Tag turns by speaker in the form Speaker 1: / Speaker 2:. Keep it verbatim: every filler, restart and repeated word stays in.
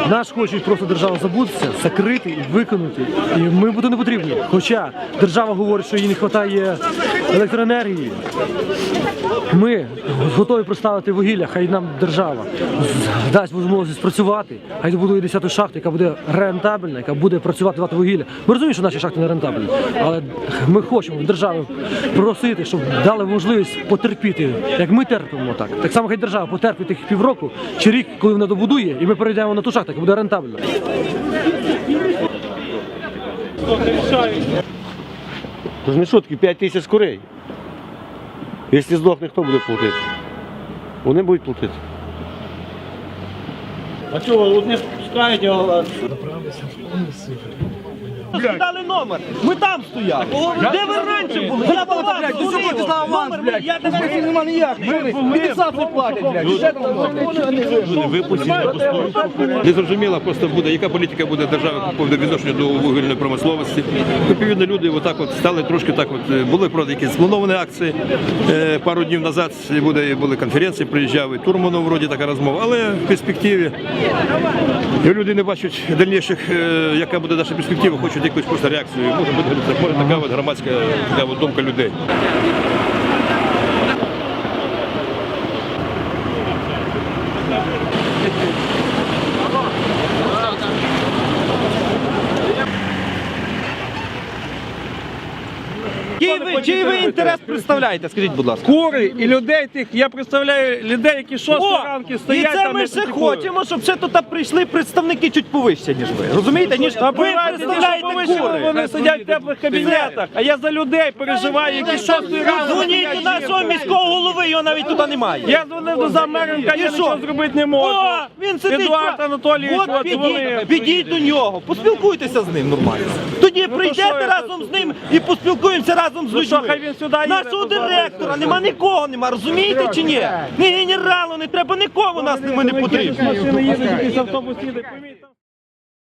Speaker 1: Нас хочуть просто держава забутися, закрити і виконати. І ми будемо не потрібні. Хоча держава говорить, що їй не вистачає електроенергії. Ми готові представити вугілля, хай нам держава дасть можливість працювати, хай добудує десяту шахту, яка буде рентабельна, яка буде працювати, давати вугілля. Ми розуміємо, що наші шахти не рентабельні, але ми хочемо від держави просити, щоб дали можливість потерпіти, як ми терпимо так. Так само хай держава потерпить тих півроку чи рік, коли вона добудує, і ми перейдемо на ту шахту, яка буде рентабельна.
Speaker 2: Це ж не шутки, п'ять тисяч курей. Якщо здохне, хто буде платити? Вони будуть платити.
Speaker 3: А чого, от не пускають його? Дали номер, ми там стояли. Де ви раніше були? Я до вас дзвонив. Номер, я тебе не нема ніяк. Мілісацію платять, блядь.
Speaker 4: Не зрозуміло просто буде, яка політика буде держави по відношенню до вугільної промисловості. Відповідно, люди отак от стали трошки так от, були правда якісь сплановані акції. Е, пару днів назад буде, були конференції, приїжджав і Турманов, вроді така розмова, але в перспективі люди не бачать дальніших, е, яка буде наша перспектива, хочуть якусь просто реакцію. Може бути може, така от громадська така от думка людей.
Speaker 3: Чий ви, чий ви інтерес представляєте, скажіть, будь ласка?
Speaker 5: Кури і людей тих, я представляю людей, які шостої ранки
Speaker 3: І
Speaker 5: стоять
Speaker 3: це
Speaker 5: там
Speaker 3: ми
Speaker 5: і
Speaker 3: ще
Speaker 5: критикують.
Speaker 3: хочемо, щоб ще тут прийшли представники чуть повище, ніж ви. Розумієте? Ніж
Speaker 5: Та
Speaker 3: ви
Speaker 5: порадьте, що
Speaker 3: представляєте
Speaker 5: повище,
Speaker 3: кури.
Speaker 5: вони сидять в теплих кабінетах, а я за людей переживаю, які шостої ранку
Speaker 3: Дзвоніть
Speaker 5: стоять
Speaker 3: до нашого
Speaker 5: жінки.
Speaker 3: міського голови, його навіть туди немає.
Speaker 5: Я дзвонив до замеренка,
Speaker 3: І
Speaker 5: я
Speaker 3: що?
Speaker 5: нічого зробити не можу.
Speaker 3: О, він сидить.
Speaker 5: Едуард Анатолійович,
Speaker 3: От
Speaker 5: от
Speaker 3: підіть,
Speaker 5: дзвонив.
Speaker 3: підіть до нього, поспілкуйтеся з ним нормально. Тоді
Speaker 5: що
Speaker 3: прийдете
Speaker 5: я-
Speaker 3: разом з ним і поспілкуємося разом з
Speaker 5: Ну що,
Speaker 3: людьми.
Speaker 5: хай він сюди їде,
Speaker 3: Нашого
Speaker 5: то
Speaker 3: директора
Speaker 5: зараз.
Speaker 3: нема нікого, нема, розумієте чи ні? Ні генералу, не треба нікого, нас нема не потрібно.
Speaker 5: Машини їдуть, якийсь автобус їде, помітьте.